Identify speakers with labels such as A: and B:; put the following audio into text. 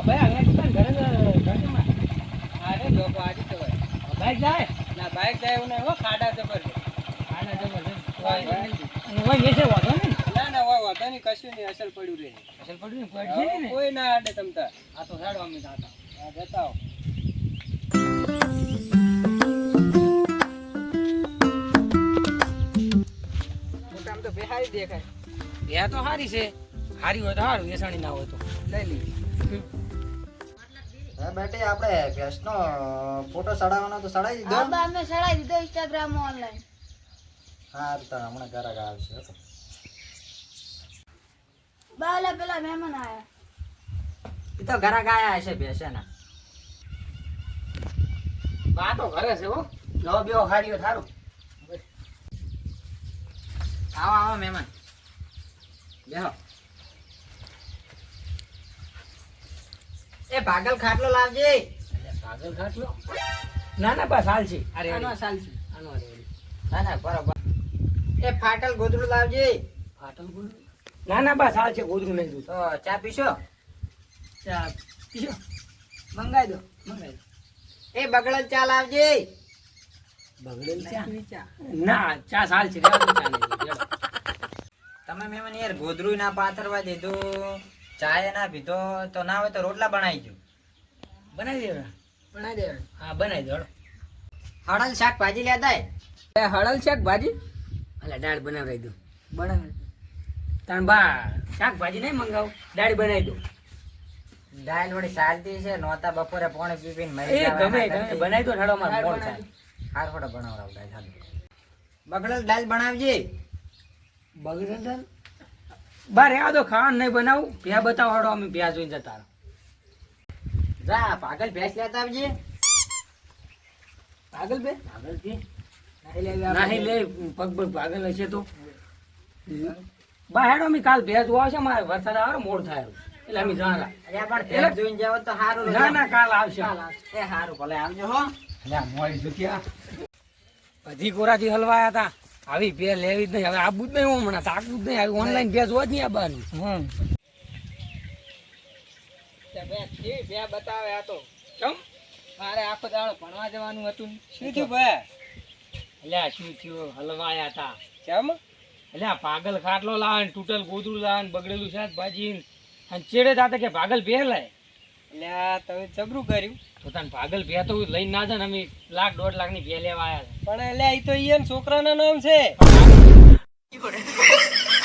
A: ભાઈ આગળ દુકાન ઘરે ઘરમાં
B: અરે લોકો આજે તો
A: બાઈક જાય
B: ના બાઈક જાય એવું નહીં હો ખાડા જબરજસ્ત
A: આના જબરજસ્ત ઓય વેચે વાતો ને
B: ના હોય વાંધો નહીં કશું નહીં અસલ પડ્યું રહે
A: અસલ પડ્યું ને પડ ને
B: કોઈ ના આડે તમતા
A: આ તો સાડો અમે જાતા
B: હા જતા આવો મોટામ તો બેહારી દેખાય
A: એ તો સારી છે સારી હોય તો સારું વેસાણી ના હોય તો
B: લઈ લઈએ
C: હા બેટી આપણે ભેંસનો ફોટો ચડાવવાનો તો ચડાવી દીધો
D: હા બા અમે ચડાવી દીધો ઇન્સ્ટાગ્રામ માં ઓનલાઈન
C: હા તો હમણાં ઘરાક આવશે હો.
D: બાલા પેલા મહેમાન આયા
C: એ તો ઘરાક આયા હશે ભેંસના
A: બા તો ઘરે છે હો લો બેઓ હારીઓ થારું
C: આવો આવો મહેમાન બેહો એ ભાગલ ખાટલો લાવજે
A: પાગલ ખાટલો ના ના બસ હાલ છે અરે
B: આનો સાલ છે
A: આનો અરે
C: ના ના બરોબર એ ફાટલ ગોદડું લાવજે
A: ફાટલ બોલ ના ના બસ હાલ છે ગોદરું નહીં દૂધ
C: તો ચા પીશો
A: ચા પીઓ
B: મંગાઈ દો
A: મંગાઈ
C: એ બગડલ ચા લાવજે
A: બગડેલ ચા
B: ચા
A: ના ચા સાલ છે રેવા દો ચા નહીં રેવા.
C: તમે મહેમાન યાર ગોદરું ના પાથરવા દીધું ચાય ના પીધો તો ના હોય તો રોટલા બનાવી દો
A: બનાવી દેવા
B: બનાવી દે
A: હા બનાવી દો
C: હળલ શાક ભાજી લેતા
B: હળલ શાક ભાજી
A: અલા દાળ બનાવી દો
B: બનાવી
A: તાણ બા શાકભાજી નહીં મંગાવ દાળ બનાવી દો
C: દાળ વળી ચાલતી છે નોતા બપોરે પોણે પીપીને મરી
A: એ ગમે ગમે બનાવી દો ઠાડો માર મોડ થાય
C: હાર ફોટો બનાવરાવ દાળ હાલ બગડલ દાળ બનાવજે
A: બગડેલ દાળ બા રેવા દો ખાવાનું નહીં બનાવું ભ્યા બતાવો હાડો અમે ભ્યા જોઈને જતા રહો.
C: જા પાગલ ભેંસ લેતા આવજે
B: પાગલ બે
A: પાગલ છે
B: નાહી લેવી
A: નાહી લે પગ પગ પાગલ હશે તો બા હેડો અમે કાલ ભેજ આવશે મારે વરસાદ આવે મોડ થાય એટલે અમે જાણા
C: અરે પણ ભેંસ જોઈને જાવ તો હારું
A: ના ના કાલ આવશે
C: એ હારું ભલે આવજો હો
A: અલ્યા મોડી જગ્યા બધી કોરાથી હલવાયા હતા આવી ભે લેવી જ નહીં હવે આબુ જ નહીં હમણાં તાકવું જ નહીં આવી ઓનલાઈન ભેજ હોત નહીં આવવાનું
B: બે બતાવે આ તો
A: કેમ
B: મારે આખો દાડો ભણવા જવાનું હતું શું થયું ભાઈ
A: અલ્યા શું થયું હલવાયા હતા
B: કેમ
A: અલ્યા પાગલ ખાટલો લાવે ને તૂટલ ગોદરું લાવે ને બગડેલું શાકભાજી ને અને ચેડે જાતે કે પાગલ ભે લાય
B: એટલે આ તમે જબરું કર્યું
A: તો તને પાગલ ભે તો લઈને ના જાય ને અમે લાખ 1.5 લાખની ભે લેવા આવ્યા
B: પણ એટલે એ તો ઈયન છોકરાના નામ છે
A: હતા